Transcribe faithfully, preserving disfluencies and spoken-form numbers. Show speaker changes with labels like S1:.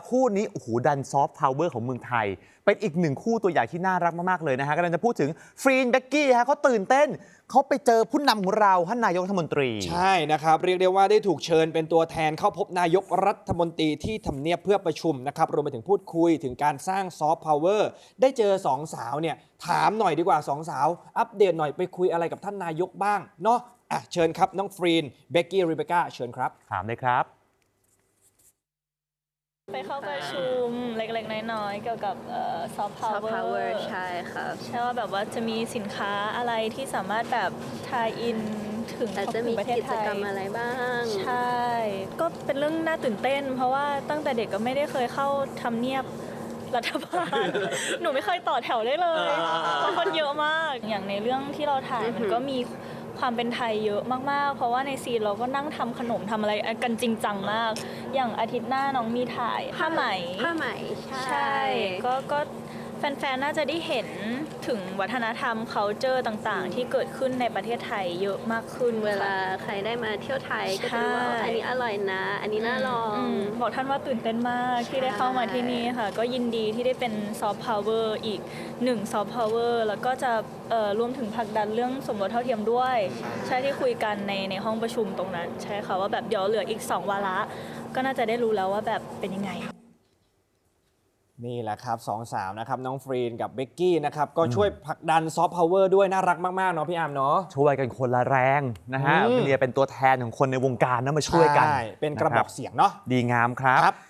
S1: คู่นี้โอ้โหดันซอฟต์พาวเวอร์ของเมืองไทยเป็นอีกหนึ่งคู่ตัวอย่างที่น่ารักมากๆเลยนะฮะกำลังจะพูดถึงฟรีนเบกกี้ฮะเขาตื่นเต้นเขาไปเจอผู้นำของเราท่านนายกรัฐมนตรี
S2: ใช่นะครับเรียกได้ว่าได้ถูกเชิญเป็นตัวแทนเข้าพบนายกรัฐมนตรีที่ทำเนียบเพื่อประชุมนะครับรวมไปถึงพูดคุยถึงการสร้างซอฟต์พาวเวอร์ได้เจอสองสาวเนี่ยถามหน่อยดีกว่าสองสาวอัปเดตหน่อยไปคุยอะไรกับท่านนายกบ้างเนาะอ่ะเชิญครับน้องฟรีนเบกกี้รีเบคก้าเชิญครับ
S1: ถามเลยครับ
S3: ไปเข้าประชุมเล็กๆน้อยๆเกี่ยวกับซอฟต์พาวเวอร์
S4: ใช่ค่ะ
S3: ใช่ว่าแบบว่าจะมีสินค้าอะไรที่สามารถแบบทายอินถึง
S4: แต่จะมีกิจกรรมอะไรบ้าง
S3: ใช่ก็เป็นเรื่องน่าตื่นเต้นเพราะว่าตั้งแต่เด็กก็ไม่ได้เคยเข้าทำเนียบรัฐบาล หนูไม่เคยต่อแถวได้เลยเพราะคนเยอะมากอย่างในเรื่องที่เราถ่ายมันก็มีความเป็นไทยเยอะมากๆเพราะว่าในซีนเราก็นั่งทำขนมทำอะไรกันจริงจังมากอย่างอาทิตย์หน้าน้องมีถ่ายผ้าไหม
S4: ผ้าไหม
S3: ใช่ก็ก็แฟนๆน่าจะได้เห็นถึงวัฒนธรรม culture ต่างๆที่เกิดขึ้นในประเทศไทยเยอะมากขึ้น
S4: เวลาใครได้มาเที่ยวไทยก็จะรู้ว่าอันนี้อร่อยนะอันนี้น่าลอง
S3: บอกท่านว่าตื่นเต้นมากที่ได้เข้ามาที่นี่ค่ะก็ยินดีที่ได้เป็นซอฟต์พาวเวอร์อีกหนึ่งซอฟต์พาวเวอร์แล้วก็จะรวมถึงผลักดันเรื่องสมรสเท่าเทียมด้วยใช่ที่คุยกันในในห้องประชุมตรงนั้นใช่ค่ะว่าแบบเดี๋ยวเหลืออีกสองวาระก็น่าจะได้รู้แล้วว่าแบบเป็นยังไง
S2: นี่แหละครับสองสาวนะครับน้องฟรีนกับเบกกี้นะครับก็ช่วยผลักดันซอฟต์พาวเวอร์ด้วยน่ารักมากๆเนาะพี่อาร์มเนาะ
S1: ช่วยกันคนละแรงนะฮะเรียเป็นตัวแทนของคนในวงการนะมาช่วยกัน
S2: เป็นกระบอกเสียงเนาะ
S1: ดีงามครับ